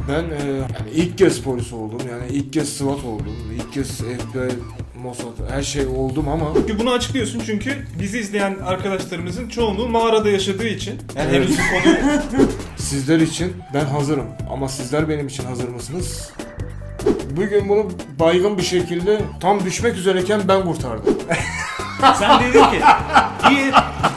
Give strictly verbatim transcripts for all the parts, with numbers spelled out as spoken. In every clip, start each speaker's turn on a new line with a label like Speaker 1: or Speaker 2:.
Speaker 1: Ben e, yani ilk kez polis oldum, yani ilk kez SWAT oldum, ilk kez F B I, Mossad, her şey oldum ama...
Speaker 2: Çünkü bunu açıklıyorsun çünkü bizi izleyen arkadaşlarımızın çoğunluğu mağarada yaşadığı için. Yani
Speaker 1: Evet.
Speaker 2: henüz bu konuyu...
Speaker 1: Sizler için ben hazırım ama sizler benim için hazır mısınız? Bugün bunu baygın bir şekilde tam düşmek üzereyken ben kurtardım.
Speaker 3: Sen dedin ki iyi.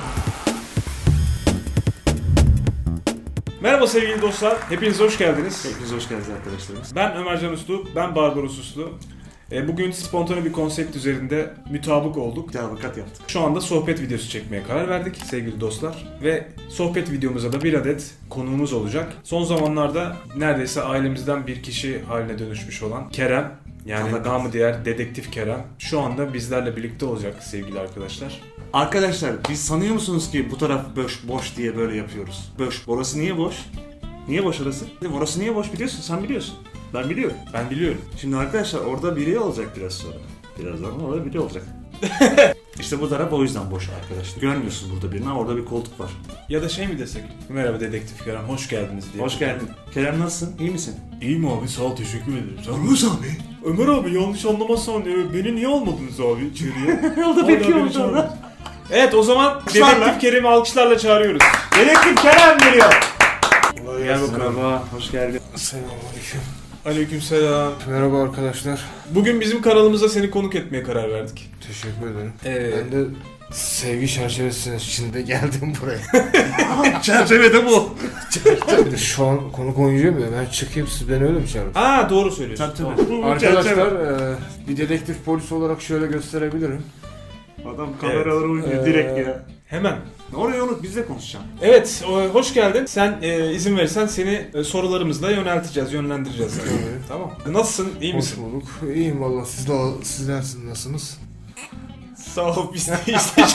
Speaker 2: Merhaba sevgili dostlar, hepiniz hoş geldiniz.
Speaker 3: Hepiniz hoş geldiniz arkadaşlarımız.
Speaker 2: Ben Ömer Can Uslu, ben Barbaros Uslu. E, Bugün spontane bir konsept üzerinde mütabık olduk.
Speaker 3: Avukat yaptık.
Speaker 2: Şu anda sohbet videosu çekmeye karar verdik sevgili dostlar. Ve sohbet videomuza da bir adet konuğumuz olacak. Son zamanlarda neredeyse ailemizden bir kişi haline dönüşmüş olan Kerem. Yani
Speaker 3: Allah
Speaker 2: namı diğer Dedektif Kerem. Şu anda bizlerle birlikte olacak sevgili arkadaşlar.
Speaker 3: Arkadaşlar biz sanıyor musunuz ki bu taraf boş boş diye böyle yapıyoruz? Boş. Orası niye boş? Niye boş orası? Orası niye boş biliyorsun? Sen biliyorsun. Ben biliyorum.
Speaker 2: Ben biliyorum.
Speaker 3: Şimdi arkadaşlar orada biri olacak biraz sonra. Birazdan orada biri olacak. İşte bu taraf o yüzden boş arkadaşlar. Görmüyorsunuz burada birini ama orada bir koltuk var.
Speaker 2: Ya da şey mi desek? Merhaba Dedektif Kerem, hoş geldiniz diye.
Speaker 3: Hoş geldin. Kerem nasılsın? İyi misin?
Speaker 2: İyiyim abi, sağ ol, teşekkür ederim. Sen
Speaker 3: Ruz abi.
Speaker 2: Ömer abi yanlış anlamazsan e, beni niye almadınız abi içeriye?
Speaker 3: O da
Speaker 2: Hala
Speaker 3: bekliyor
Speaker 2: beni çağırmadınız.
Speaker 3: orada.
Speaker 2: Evet, o zaman
Speaker 3: Alkışlarla.
Speaker 2: Dedektif Kerem'i alkışlarla çağırıyoruz.
Speaker 3: Dedektif Kerem geliyor.
Speaker 2: Gel bakalım.
Speaker 3: Merhaba, hoş geldin.
Speaker 1: Selamünaleyküm.
Speaker 2: Aleykümselam.
Speaker 1: Merhaba arkadaşlar.
Speaker 2: Bugün bizim kanalımıza seni konuk etmeye karar verdik.
Speaker 1: Teşekkür ederim.
Speaker 2: Ee,
Speaker 1: Ben de sevgi çerçevesinin içinde geldim buraya.
Speaker 3: Çerçevede bu.
Speaker 1: Şu an konuk oynayacağım ya, ben çıkayım, siz beni öyle mi çağırın?
Speaker 2: Aa doğru söylüyorsun.
Speaker 3: Tabii
Speaker 2: Tamam.
Speaker 3: tabii. Bu
Speaker 1: Arkadaşlar e, bir dedektif polis olarak şöyle gösterebilirim.
Speaker 3: Adam kameralara oynuyor
Speaker 1: Ee,
Speaker 3: direkt ya.
Speaker 2: Hemen.
Speaker 3: Oraya unut, bizle konuşacağım.
Speaker 2: Evet, o- hoş geldin. Sen e, izin verirsen seni e, sorularımızla yönelteceğiz, yönlendireceğiz. Yani.
Speaker 1: Tabii.
Speaker 2: Tamam. Nasılsın? İyi
Speaker 1: Hoş
Speaker 2: misin?
Speaker 1: bulduk. İyiyim valla. Siz de, sizler nasılsınız?
Speaker 2: Sağ ol, biz de iyiyiz.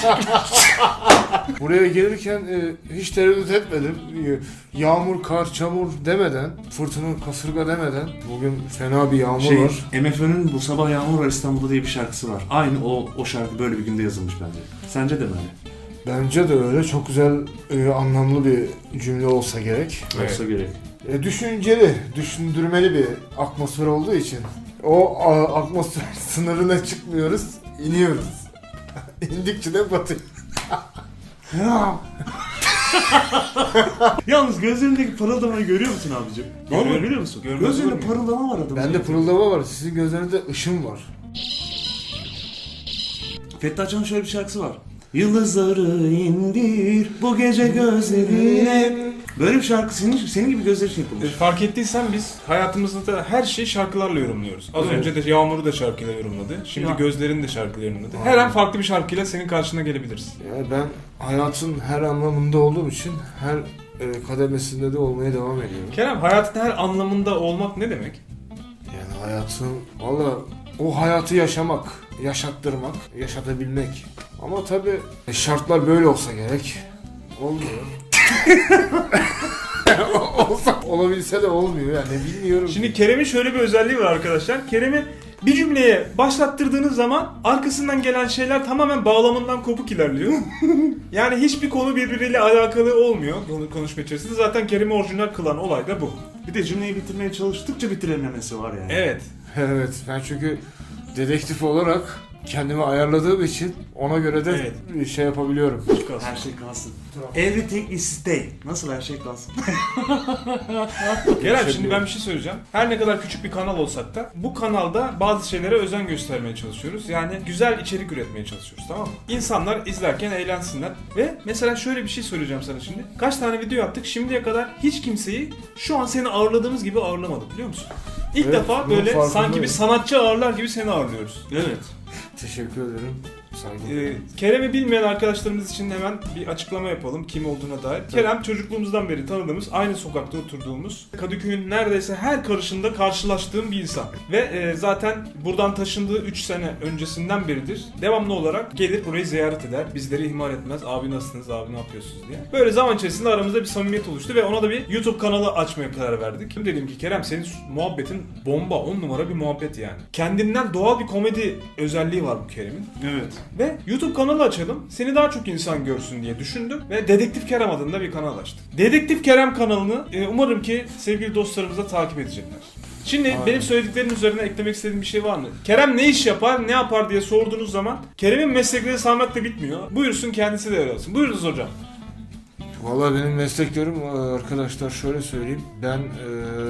Speaker 1: Buraya gelirken e, hiç tereddüt etmedim. E, yağmur, kar, çamur demeden, fırtına, kasırga demeden. Bugün fena bir yağmur
Speaker 3: Şey,
Speaker 1: var.
Speaker 3: M F Ö'nün Bu Sabah Yağmur Var İstanbul'da diye bir şarkısı var. Aynı o o şarkı böyle bir günde yazılmış bence. Sence de mi öyle?
Speaker 1: Bence de öyle. Çok güzel, e, anlamlı bir cümle olsa gerek.
Speaker 2: Evet.
Speaker 3: Olsa gerek.
Speaker 1: E, düşünceli, düşündürmeli bir atmosfer olduğu için. O a, atmosfer sınırına çıkmıyoruz, iniyoruz. İndikçe de batıyoruz.
Speaker 3: Yalnız gözlerindeki parıldamayı görüyor musun abicim?
Speaker 2: Görüyorum.
Speaker 3: Normal biliyor musun?
Speaker 2: Görmez
Speaker 3: Gözlerinde
Speaker 2: olur muyum?
Speaker 3: parıldama var adamın.
Speaker 1: Bende pırıldama var, sizin gözlerinizde ışın var.
Speaker 3: Fethi Açan'ın şöyle bir şarkısı var. Yıldızları indir bu gece gözlerine. Böyle bir şarkı senin, senin gibi gözler için
Speaker 2: E,
Speaker 3: yapılmış.
Speaker 2: Fark ettiysen biz hayatımızda her şeyi şarkılarla yorumluyoruz. Az
Speaker 3: Evet.
Speaker 2: önce de Yağmur'u da şarkıyla yorumladı. Şimdi
Speaker 3: Ya.
Speaker 2: Gözlerini de şarkıyla yorumladı. Her
Speaker 1: Aynen.
Speaker 2: an farklı bir şarkıyla senin karşına gelebiliriz.
Speaker 1: Yani ben hayatın her anlamında olduğum için her e, kademesinde de olmaya devam ediyorum.
Speaker 2: Kerem, hayatın her anlamında olmak ne demek?
Speaker 1: Yani hayatın, valla o hayatı yaşamak, yaşattırmak, yaşatabilmek. Ama tabii şartlar böyle olsa gerek. Olmuyor. Olsa, olabilse de olmuyor yani, bilmiyorum.
Speaker 2: Şimdi Kerem'in şöyle bir özelliği var arkadaşlar. Kerem'i bir cümleye başlattırdığınız zaman arkasından gelen şeyler tamamen bağlamından kopuk ilerliyor. Yani hiçbir konu birbiriyle alakalı olmuyor konu- konuşma içerisinde. Zaten Kerem'i orijinal kılan olay da bu.
Speaker 3: Bir de cümleyi bitirmeye çalıştıkça bitirememesi var yani.
Speaker 2: Evet.
Speaker 1: Evet, ben çünkü dedektif olarak kendimi ayarladığım için ona göre de şey yapabiliyorum.
Speaker 3: Her şey kalsın. Everything is stay. Nasıl her şey kalsın?
Speaker 2: Kerem, şimdi ben bir şey söyleyeceğim. Her ne kadar küçük bir kanal olsak da bu kanalda bazı şeylere özen göstermeye çalışıyoruz. Yani güzel içerik üretmeye çalışıyoruz, tamam mı? İnsanlar izlerken eğlensinler. Ve mesela şöyle bir şey söyleyeceğim sana şimdi. Kaç tane video yaptık, şimdiye kadar hiç kimseyi şu an seni ağırladığımız gibi ağırlamadık, biliyor musun? İlk
Speaker 1: Evet,
Speaker 2: defa
Speaker 1: bunun
Speaker 2: böyle sanki
Speaker 1: farkındayım.
Speaker 2: bir sanatçı ağırlar gibi seni ağırlıyoruz.
Speaker 3: Evet.
Speaker 1: Teşekkür ederim. Saygı.
Speaker 2: Ee, Kerem'i bilmeyen arkadaşlarımız için hemen bir açıklama yapalım kim olduğuna dair. Kerem çocukluğumuzdan beri tanıdığımız, aynı sokakta oturduğumuz, Kadıköy'ün neredeyse her karışında karşılaştığım bir insan. Ve e, zaten buradan taşındığı üç sene öncesinden beridir devamlı olarak gelir burayı ziyaret eder. Bizleri ihmal etmez. Abi nasılsınız, abi ne yapıyorsunuz diye. Böyle zaman içerisinde aramızda bir samimiyet oluştu ve ona da bir YouTube kanalı açmaya karar verdik. Dedim ki Kerem, senin muhabbetin bomba, on numara bir muhabbet yani. Kendinden doğal bir komedi özelliği var bu Kerem'in.
Speaker 3: Evet.
Speaker 2: Ve YouTube kanalı açalım, seni daha çok insan görsün diye düşündüm ve Dedektif Kerem adında bir kanal açtık. Dedektif Kerem kanalını e, umarım ki sevgili dostlarımız da takip edecekler. Şimdi
Speaker 1: Aynen.
Speaker 2: benim söylediklerimin üzerine eklemek istediğim bir şey var mı? Kerem ne iş yapar, ne yapar diye sorduğunuz zaman Kerem'in meslekleri saymakla bitmiyor. Buyursun kendisi de öyle olsun. Buyurunuz hocam.
Speaker 1: Vallahi benim mesleklerim arkadaşlar şöyle söyleyeyim. Ben e,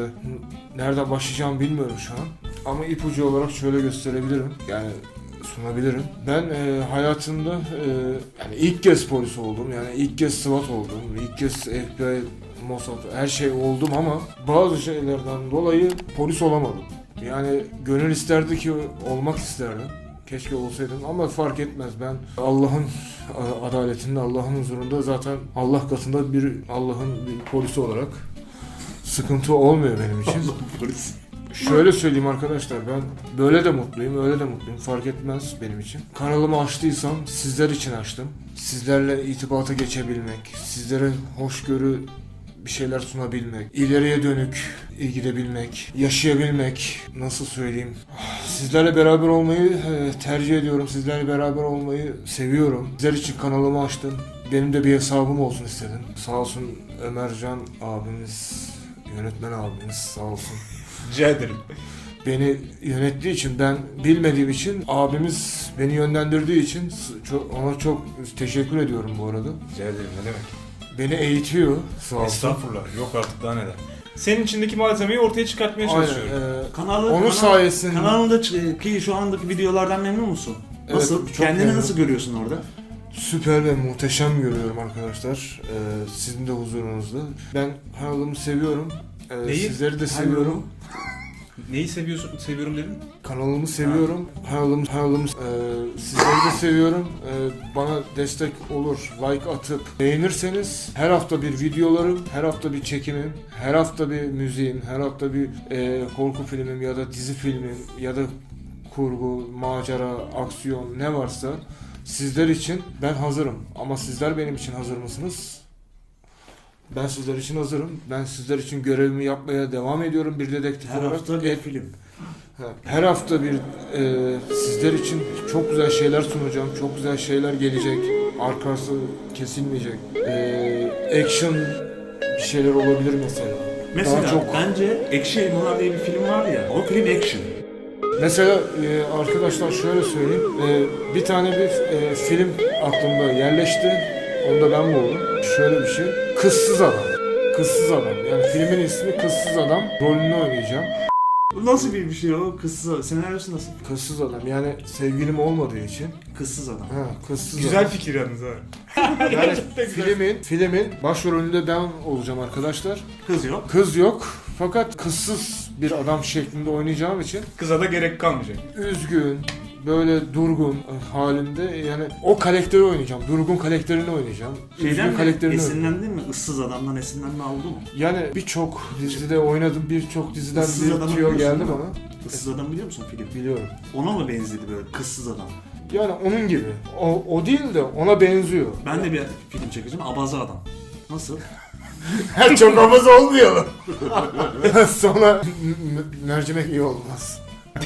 Speaker 1: nereden başlayacağımı bilmiyorum şu an. Ama ipucu olarak şöyle gösterebilirim. Yani sunabilirim. Ben e, hayatımda e, yani ilk kez polis oldum. Yani ilk kez SWAT oldum. İlk kez F B I, Mossad her şey oldum ama bazı şeylerden dolayı polis olamadım. Yani gönül isterdi ki olmak isterdim. Keşke olsaydım ama fark etmez. Ben Allah'ın adaletinde, Allah'ın huzurunda zaten Allah katında bir Allah'ın bir polisi olarak sıkıntı olmuyor benim için.
Speaker 3: Polis.
Speaker 1: Şöyle söyleyeyim arkadaşlar, ben böyle de mutluyum, öyle de mutluyum. Fark etmez benim için. Kanalımı açtıysam sizler için açtım. Sizlerle itibata geçebilmek, sizlere hoşgörü bir şeyler sunabilmek, ileriye dönük gidebilmek, yaşayabilmek, nasıl söyleyeyim. Sizlerle beraber olmayı e, tercih ediyorum. Sizlerle beraber olmayı seviyorum. Sizler için kanalımı açtım. Benim de bir hesabım olsun istedim. Sağ olsun Ömercan abimiz, yönetmen abimiz sağ olsun.
Speaker 2: Rica ederim.
Speaker 1: Beni yönettiği için, ben bilmediğim için, abimiz beni yönlendirdiği için çok, ona çok teşekkür ediyorum bu arada.
Speaker 2: Rica ederim, ne demek?
Speaker 1: Beni eğitiyor sağ olsun.
Speaker 2: Estağfurullah, yok artık daha neler. Senin içindeki malzemeyi ortaya çıkartmaya
Speaker 1: Aynen,
Speaker 2: çalışıyorum.
Speaker 1: e,
Speaker 3: Kanalı,
Speaker 1: onun
Speaker 3: kanal,
Speaker 1: sayesinde
Speaker 3: kanalındaki şu andaki videolardan memnun musun?
Speaker 1: Evet,
Speaker 3: Nasıl?
Speaker 1: çok
Speaker 3: Kendini
Speaker 1: memnunum.
Speaker 3: nasıl görüyorsun orada?
Speaker 1: süper ve muhteşem görüyorum arkadaşlar. Ee, sizin de huzurunuzda. Ben kanalımı seviyorum. Ee,
Speaker 2: Neyi?
Speaker 1: Sizleri de seviyorum.
Speaker 2: Neyi seviyorsun, seviyorum dedin?
Speaker 1: Kanalımı seviyorum. Kanalım, kanalım, e, sizleri de seviyorum. E, bana destek olur, like atıp beğenirseniz her hafta bir videolarım, her hafta bir çekimim, her hafta bir müziğim, her hafta bir e, korku filmim ya da dizi filmim ya da kurgu, macera, aksiyon ne varsa sizler için ben hazırım. Ama sizler benim için hazır mısınız? Ben sizler için hazırım. Ben sizler için görevimi yapmaya devam ediyorum bir dedektif
Speaker 3: Her
Speaker 1: olarak.
Speaker 3: hafta bir
Speaker 1: E,
Speaker 3: film.
Speaker 1: Her hafta bir e, sizler için çok güzel şeyler sunacağım. Çok güzel şeyler gelecek. Arkası kesilmeyecek. E, action bir şeyler olabilir mesela.
Speaker 3: Mesela
Speaker 1: Daha çok-
Speaker 3: bence Ekşi Elmalar diye bir film var ya. O film action.
Speaker 1: Mesela e, arkadaşlar şöyle söyleyeyim. E, bir tane bir e, film aklımda yerleşti. Onu da ben buldum. Şöyle bir şey. Kızsız Adam. Kızsız Adam. Yani filmin ismi Kızsız Adam. Rolünü oynayacağım.
Speaker 3: Bu nasıl bir bir şey o? Kızsız. Senaryosu nasıl?
Speaker 1: Kızsız Adam. Yani sevgilim olmadığı için.
Speaker 3: Kızsız adam.
Speaker 1: Ha, kızsız
Speaker 2: Güzel
Speaker 1: adam.
Speaker 2: fikir yalnız ha.
Speaker 1: Yani
Speaker 2: Gerçekten güzel.
Speaker 1: filmin, filmin başrolünde ben olacağım arkadaşlar.
Speaker 3: Kız yok.
Speaker 1: Kız yok. Fakat kızsız bir adam şeklinde oynayacağım için
Speaker 2: Kıza da gerek kalmayacak.
Speaker 1: üzgün, böyle durgun halinde, yani o karakteri oynayacağım. Durgun karakterini oynayacağım.
Speaker 3: Şeyden
Speaker 1: Üzgün
Speaker 3: mi?
Speaker 1: karakterini oynayacağım.
Speaker 3: Esinlendin mi? Issız adamdan esinlenme oldu mu?
Speaker 1: Yani birçok dizide oynadım, birçok diziden
Speaker 3: Issız Adam'ı
Speaker 1: bir tüyo
Speaker 3: biliyorsun
Speaker 1: geldi
Speaker 3: değil mi?
Speaker 1: bana.
Speaker 3: Issız adam biliyor musun film?
Speaker 1: Biliyorum.
Speaker 3: Ona mı benzedi böyle kızsız adam?
Speaker 1: Yani onun gibi. O, o değil de ona benziyor.
Speaker 3: Ben de bir film çekeceğim. Abaza adam. Nasıl?
Speaker 1: Çok havası olmayalım. Sonra m- mercimek iyi olmaz.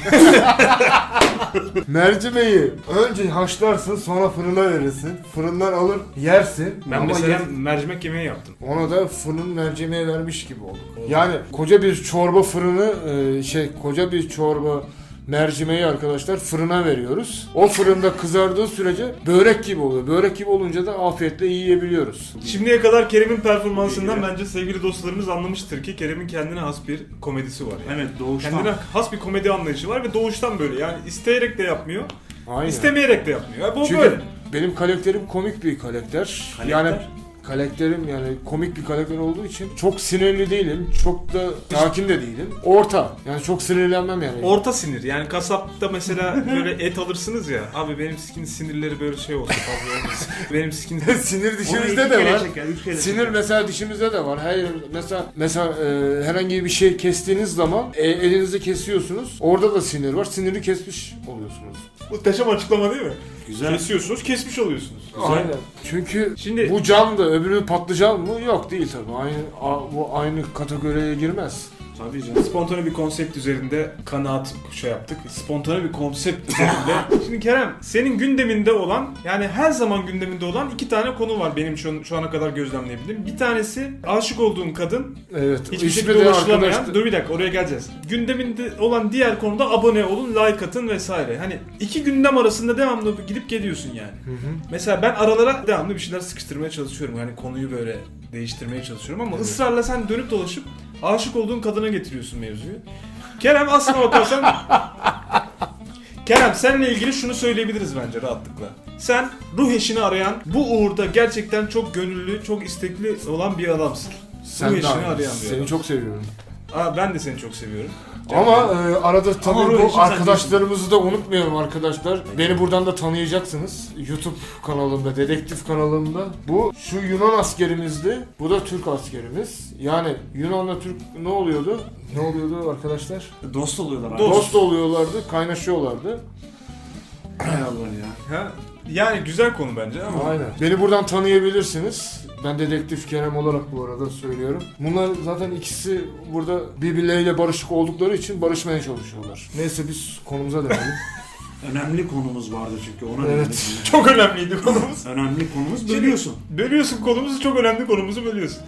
Speaker 1: Mercimeği önce haşlarsın, sonra fırına verirsin. Fırından alır yersin.
Speaker 2: Ben
Speaker 1: Ama
Speaker 2: mesela
Speaker 1: yer-
Speaker 2: mercimek yemeği yaptım.
Speaker 1: ona da fırın mercimeği vermiş gibi olduk. Yani koca bir çorba fırını e, şey koca bir çorba mercimeği arkadaşlar fırına veriyoruz. O fırında kızardığı sürece börek gibi oluyor. Börek gibi olunca da afiyetle yiyebiliyoruz.
Speaker 2: Şimdiye kadar Kerem'in performansından
Speaker 3: İyi.
Speaker 2: bence sevgili dostlarımız anlamıştır ki Kerem'in kendine has bir komedisi var. Yani.
Speaker 3: Evet doğuştan.
Speaker 2: Kendine has bir komedi anlayışı var ve doğuştan böyle. Yani isteyerek de yapmıyor,
Speaker 1: Aynen.
Speaker 2: istemeyerek de yapmıyor. Yani bu
Speaker 1: Çünkü
Speaker 2: böyle.
Speaker 1: benim karakterim komik bir karakter.
Speaker 3: Karakter?
Speaker 1: Yani karakterim yani komik bir karakter olduğu için çok sinirli değilim, çok da sakin de değilim. Orta. Yani çok sinirlenmem yani.
Speaker 2: Orta sinir. Yani kasapta mesela böyle et alırsınız ya. Abi benim sikin sinirleri böyle şey olsun fazla olmasın. Benim sikin
Speaker 1: Sinir
Speaker 3: Onu
Speaker 1: dişimizde
Speaker 3: iki
Speaker 1: de
Speaker 3: kere
Speaker 1: var.
Speaker 3: çeker, üç kere
Speaker 1: Sinir
Speaker 3: çeker.
Speaker 1: mesela dişimizde de var. Hayır mesela mesela e, herhangi bir şey kestiğiniz zaman e, elinizi kesiyorsunuz. Orada da sinir var. Siniri kesmiş oluyorsunuz.
Speaker 2: Muhteşem açıklama değil mi?
Speaker 3: Güzel.
Speaker 2: Kesiyorsunuz, kesmiş oluyorsunuz.
Speaker 1: Aynen. Çünkü
Speaker 2: Şimdi-
Speaker 1: bu cam da öbürü patlıcan mı? Yok değil tabii. Aynı a- bu aynı kategoriye girmez.
Speaker 3: Tabii canım.
Speaker 2: Spontane bir konsept üzerinde kanaat şey yaptık. Spontane bir konsept üzerinde. Şimdi Kerem, senin gündeminde olan, yani her zaman gündeminde olan iki tane konu var benim şu, şu ana kadar gözlemleyebildiğim. Bir tanesi aşık olduğun kadın.
Speaker 1: Evet.
Speaker 2: Hiçbir
Speaker 1: ismi
Speaker 2: şekilde
Speaker 1: de
Speaker 2: ulaşılamayan.
Speaker 1: arkadaşlar-
Speaker 2: Dur bir dakika, oraya geleceğiz. Gündeminde olan diğer konuda abone olun, like atın vesaire. Hani iki gündem arasında devamlı gidip geliyorsun yani.
Speaker 1: Hı hı.
Speaker 2: Mesela ben aralara devamlı bir şeyler sıkıştırmaya çalışıyorum. Hani konuyu böyle değiştirmeye çalışıyorum ama
Speaker 1: Evet.
Speaker 2: ısrarla sen dönüp dolaşıp aşık olduğun kadına getiriyorsun mevzuyu. Kerem, aslına bakarsan Kerem, seninle ilgili şunu söyleyebiliriz bence rahatlıkla. Sen ruh eşini arayan, bu uğurda gerçekten çok gönüllü, çok istekli olan bir adamsın.
Speaker 1: Sen
Speaker 2: ruh
Speaker 1: de
Speaker 2: eşini
Speaker 1: aynı.
Speaker 2: arayan bir
Speaker 1: Seni
Speaker 2: adam.
Speaker 1: çok seviyorum.
Speaker 2: Aa, ben de seni çok seviyorum.
Speaker 1: Ama e, arada tabii
Speaker 3: Ama ruh
Speaker 1: bu
Speaker 3: eşin sen
Speaker 1: arkadaşlarımızı da unutmayalım arkadaşlar. Beni buradan da tanıyacaksınız. YouTube kanalımda, dedektif kanalımda. Bu şu Yunan askerimizdi. Bu da Türk askerimiz. Yani Yunan'la Türk ne oluyordu? Ne oluyordu arkadaşlar?
Speaker 3: Dost oluyorlar abi.
Speaker 2: Dost.
Speaker 1: Dost oluyorlardı, kaynaşıyorlardı.
Speaker 3: Hay Allah ya.
Speaker 2: Ha? Yani güzel konu bence ama.
Speaker 1: Aynen. Beni buradan tanıyabilirsiniz. Ben dedektif Kerem olarak bu arada söylüyorum. Bunlar zaten ikisi burada birbirleriyle barışık oldukları için barışmaya çalışıyorlar. Neyse biz konumuza dönelim.
Speaker 3: Önemli konumuz vardı çünkü ona
Speaker 1: Evet.
Speaker 3: dedik.
Speaker 2: Çok önemliydi konumuz.
Speaker 3: Önemli konumuz
Speaker 2: Şimdi-
Speaker 3: bölüyorsun.
Speaker 2: Bölüyorsun konumuzu, çok önemli konumuzu bölüyorsun.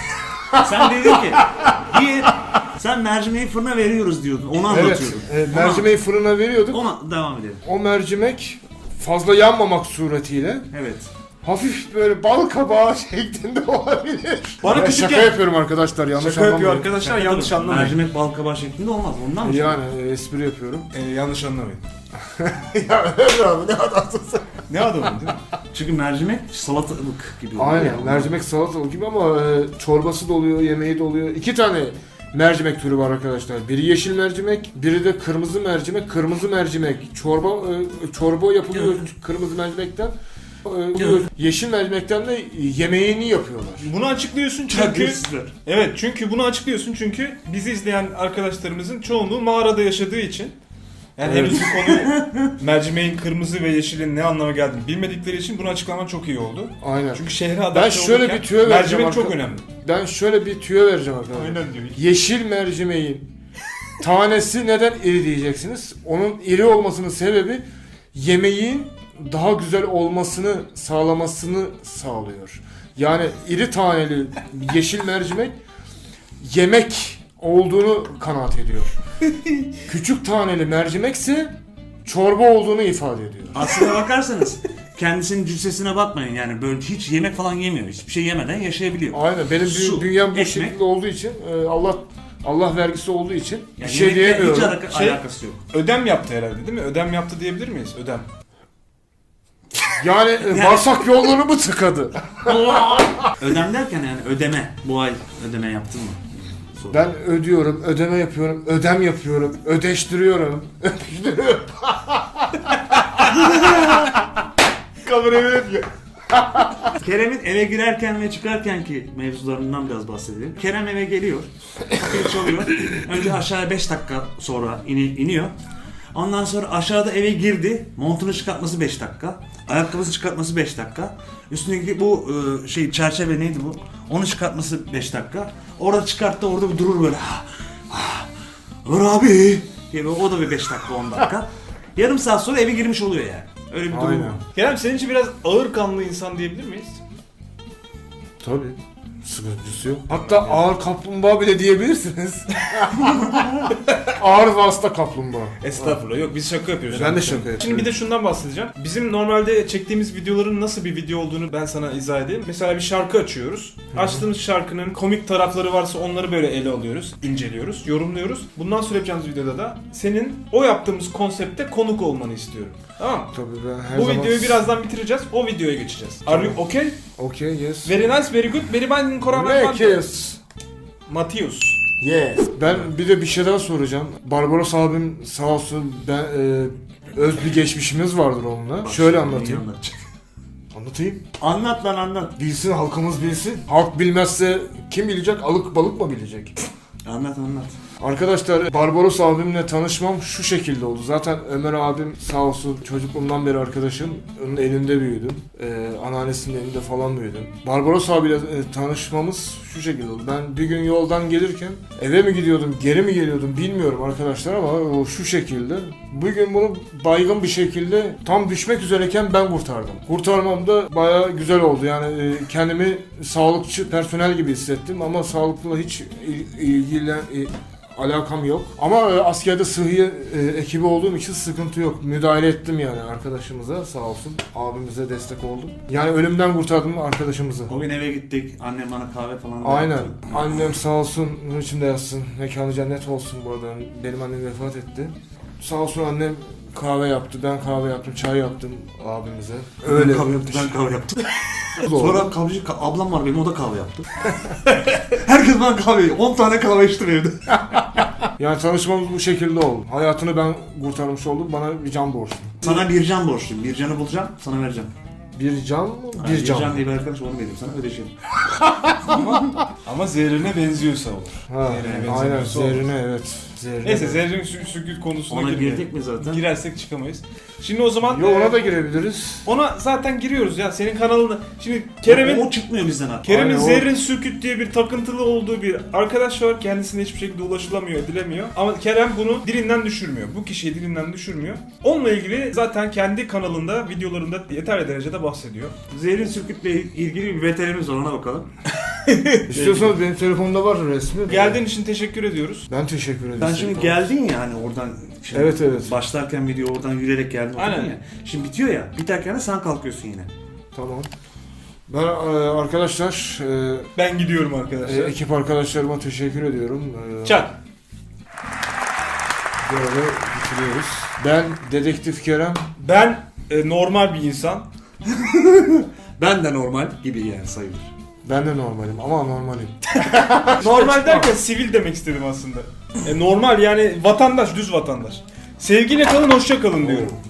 Speaker 3: Sen dedin ki bir sen mercimeği fırına veriyoruz diyordun. Onu
Speaker 1: Evet,
Speaker 3: anlatıyordun.
Speaker 1: e, mercimeği fırına veriyorduk.
Speaker 3: Ona devam edelim.
Speaker 1: O mercimek fazla yanmamak suretiyle
Speaker 3: Evet.
Speaker 1: hafif böyle bal kabağı şeklinde olabilir.
Speaker 2: Bana
Speaker 1: Ben
Speaker 2: küçükken-
Speaker 1: şaka yapıyorum arkadaşlar, yanlış
Speaker 2: Şaka yapıyor
Speaker 1: anlamayın.
Speaker 2: arkadaşlar,
Speaker 3: Şaka
Speaker 2: yanlış
Speaker 3: tabii.
Speaker 2: anlamayın.
Speaker 3: Mercimek bal kabağı şeklinde olmaz. Ondan mı?
Speaker 1: Yani e, espri yapıyorum.
Speaker 2: Ee, yanlış anlamayın.
Speaker 1: Ya Emre abi ne adamsın sen?
Speaker 2: Ne adamın değil mi?
Speaker 3: Çünkü mercimek salatalık gibi oluyor.
Speaker 1: Aynen,
Speaker 3: ya.
Speaker 1: mercimek salatalık gibi ama e, çorbası da oluyor, yemeği de oluyor. İki tane mercimek türü var arkadaşlar. Biri yeşil mercimek, biri de kırmızı mercimek. Kırmızı mercimek çorba e, çorba yapılıyor kırmızı mercimekten. E, yeşil mercimekten de yemeğini yapıyorlar.
Speaker 2: Bunu açıklıyorsun çünkü...
Speaker 3: Terbiyesizler.
Speaker 2: Evet, çünkü bunu açıklıyorsun çünkü bizi izleyen arkadaşlarımızın çoğunluğu mağarada yaşadığı için, yani
Speaker 1: Evet.
Speaker 2: henüz bu konu mercimeğin kırmızı ve yeşilin ne anlama geldiğini bilmedikleri için bunu açıklaman çok iyi oldu.
Speaker 1: Aynen.
Speaker 2: Çünkü şehre adapte
Speaker 1: Ben şöyle
Speaker 2: olurken
Speaker 1: bir tüyo vereceğim
Speaker 2: mercimek çok
Speaker 1: arka-
Speaker 2: önemli.
Speaker 1: Ben şöyle bir tüyo vereceğim arkadaşlar.
Speaker 2: Aynen diyor.
Speaker 1: Yeşil mercimeğin tanesi neden iri diyeceksiniz? Onun iri olmasının sebebi yemeğin daha güzel olmasını sağlamasını sağlıyor. Yani iri taneli yeşil mercimek yemek olduğunu kanaat ediyor. Küçük taneli mercimekse çorba olduğunu ifade ediyor.
Speaker 3: Aslına bakarsanız kendisinin cüssesine bakmayın yani böyle hiç yemek falan yemiyor. Hiçbir şey yemeden yaşayabiliyor.
Speaker 1: Aynen, benim
Speaker 3: Su,
Speaker 1: bü- bünyem bu
Speaker 3: ekmek.
Speaker 1: şekilde olduğu için e, Allah Allah vergisi olduğu için
Speaker 3: Yani
Speaker 1: bir şey
Speaker 3: yemekle
Speaker 1: diyemiyorum.
Speaker 3: Hiç alaka-
Speaker 2: Şey-
Speaker 3: alakası yok.
Speaker 2: Ödem yaptı herhalde değil mi? Ödem yaptı diyebilir miyiz? Ödem.
Speaker 1: Yani e, bağırsak yolları mı tıkadı?
Speaker 3: Ödem derken yani ödeme. Bu ay ödeme yaptın mı? Soru.
Speaker 1: Ben ödüyorum, ödeme yapıyorum, ödem yapıyorum, ödeştiriyorum, öpüştürüyorum. Kamerayı yapıyor.
Speaker 3: Kerem'in eve girerken ve çıkarken ki mevzularından biraz bahsedelim. Kerem eve geliyor. Kapıyı çalıyor. Önce aşağıya beş dakika sonra ini- iniyor. Ondan sonra aşağıda eve girdi. Montunu çıkartması beş dakika. Ayakkabısını çıkartması beş dakika. Üstündeki bu e, şey çerçeve neydi bu? Onu çıkartması beş dakika. Orada çıkarttı, orada bir durur böyle. Ah, ah, Dur abi. diye böyle, o da bir beş dakika on dakika. Yarım saat sonra eve girmiş oluyor yani. Öyle bir durum
Speaker 1: Aynen.
Speaker 3: var.
Speaker 2: Kerem, senin için biraz ağır kanlı insan diyebilir miyiz?
Speaker 1: Tabii. Sıkıntısı yok. Hatta ağır kaplumbağa bile diyebilirsiniz. Ağır vasıta kaplumbağa.
Speaker 2: Estağfurullah, yok biz şaka yapıyoruz.
Speaker 1: Ben de şaka yapıyorum.
Speaker 2: Şimdi bir de şundan bahsedeceğim. Bizim normalde çektiğimiz videoların nasıl bir video olduğunu ben sana izah edeyim. Mesela bir şarkı açıyoruz. Açtığımız şarkının komik tarafları varsa onları böyle ele alıyoruz, inceliyoruz, yorumluyoruz. Bundan sonra yapacağımız videoda da senin o yaptığımız konsepte konuk olmanı istiyorum. Tamam mı?
Speaker 1: Tabii ben her
Speaker 2: Bu
Speaker 1: zaman...
Speaker 2: videoyu birazdan bitireceğiz. O videoya geçeceğiz. Are you okay?
Speaker 1: Okay, yes.
Speaker 2: Very nice, very good. Very fine,
Speaker 1: Make yes.
Speaker 2: Matius.
Speaker 1: Yes. Ben bir de bir şey daha soracağım. Barbaros abim sağ olsun, ben e, öz bir geçmişimiz vardır onunla. Şöyle anlatayım. Anlatayım.
Speaker 3: Anlat lan anlat.
Speaker 1: Bilsin, halkımız bilsin. Halk bilmezse kim bilecek? Alık balık mı bilecek?
Speaker 3: Anlat anlat.
Speaker 1: Arkadaşlar Barbaros abimle tanışmam şu şekilde oldu. Zaten Ömer abim sağ olsun çocukluğumdan beri arkadaşım. Onun elinde büyüdüm. Ee, anneannesinin elinde falan büyüdüm. Barbaros abiyle e, tanışmamız şu şekilde oldu. Ben bir gün yoldan gelirken eve mi gidiyordum, geri mi geliyordum bilmiyorum arkadaşlar ama o şu şekilde. Bugün bunu baygın bir şekilde tam düşmek üzereyken ben kurtardım. Kurtarmam da bayağı güzel oldu. Yani e, kendimi sağlıkçı personel gibi hissettim ama sağlıkla hiç il- ilgilen e, alakam yok. Ama e, askerde sıhhiye e, ekibi olduğum için sıkıntı yok. Müdahale ettim yani arkadaşımıza sağ olsun. Abimize destek oldum. Yani ölümden kurtardım arkadaşımızı.
Speaker 3: O gün eve gittik. Annem bana kahve falan da
Speaker 1: Aynen.
Speaker 3: yaptı.
Speaker 1: Annem sağ olsun, nur içinde yatsın. Mekanı cennet olsun bu arada. Benim annem vefat etti. Sağ olsun annem kahve yaptı. Ben kahve yaptım, çay yaptım abimize.
Speaker 3: Öyle. Ben kahve yaptım. Ben kahve yaptım.
Speaker 1: Sonra
Speaker 3: Sonra kahveci, ka- ablam var benim, o da kahve yaptı. Herkes bana kahve, on tane kahve içtim evde.
Speaker 1: yani tanışmamız bu şekilde oldu. Hayatını ben kurtarmış oldum. Bana bir can borçlu.
Speaker 3: Sana bir can borçluyum. Bir canı bulacağım, sana vereceğim.
Speaker 1: Bir can mı?
Speaker 3: Ha,
Speaker 1: Bir can.
Speaker 3: Bir can diye bir arkadaş, onu vereyim sana, ödeşelim.
Speaker 2: Ama zehrine benziyorsa olur.
Speaker 1: Ha,
Speaker 2: Zehrine
Speaker 1: aynen
Speaker 2: benzemiyorsa olur.
Speaker 1: zehrine evet. Zehrine.
Speaker 2: Neyse zerrin sü- sükut konusuna
Speaker 3: Ona
Speaker 2: girmeyelim.
Speaker 3: girdik mi zaten?
Speaker 2: Girersek çıkamayız. Şimdi o zaman
Speaker 1: Yo
Speaker 2: e,
Speaker 1: ona da girebiliriz.
Speaker 2: ona zaten giriyoruz ya senin kanalına. Şimdi Kerem'in
Speaker 3: O çıkmıyor bizden artık.
Speaker 2: Kerem'in
Speaker 1: Aynen, o-
Speaker 2: Zerrin Sürküt diye bir takıntılı olduğu bir arkadaş var. Kendisine hiçbir şekilde ulaşılamıyor, edilemiyor. Ama Kerem bunu dilinden düşürmüyor. Bu kişiyi dilinden düşürmüyor. Onunla ilgili zaten kendi kanalında, videolarında yeterli derecede bahsediyor.
Speaker 3: Zehrin Sürküt'le ilgili bir veterimiz var, ona bakalım.
Speaker 1: İstiyorsanız benim telefonumda var resmi.
Speaker 2: Geldiğin için teşekkür ediyoruz.
Speaker 1: Ben teşekkür ederim.
Speaker 3: Sen şimdi geldin ya hani oradan, şimdi
Speaker 1: Evet, evet.
Speaker 3: başlarken video oradan yürüyerek geldin
Speaker 2: Aynen.
Speaker 3: ya. Şimdi bitiyor ya, biterken de sen kalkıyorsun yine.
Speaker 1: Tamam. Ben e, arkadaşlar, e,
Speaker 2: Ben gidiyorum
Speaker 1: e,
Speaker 2: arkadaşlar.
Speaker 1: ekip arkadaşlarıma teşekkür ediyorum. E,
Speaker 2: Çak.
Speaker 1: Böyle bitiriyoruz. Ben Dedektif Kerem.
Speaker 2: Ben e, normal bir insan.
Speaker 3: Ben de normal gibi yani sayılır.
Speaker 1: Ben de normalim ama normalim.
Speaker 2: Normal derken sivil demek istedim aslında. E, normal yani vatandaş, düz vatandaş. Sevgiyle kalın, hoşça kalın diyorum.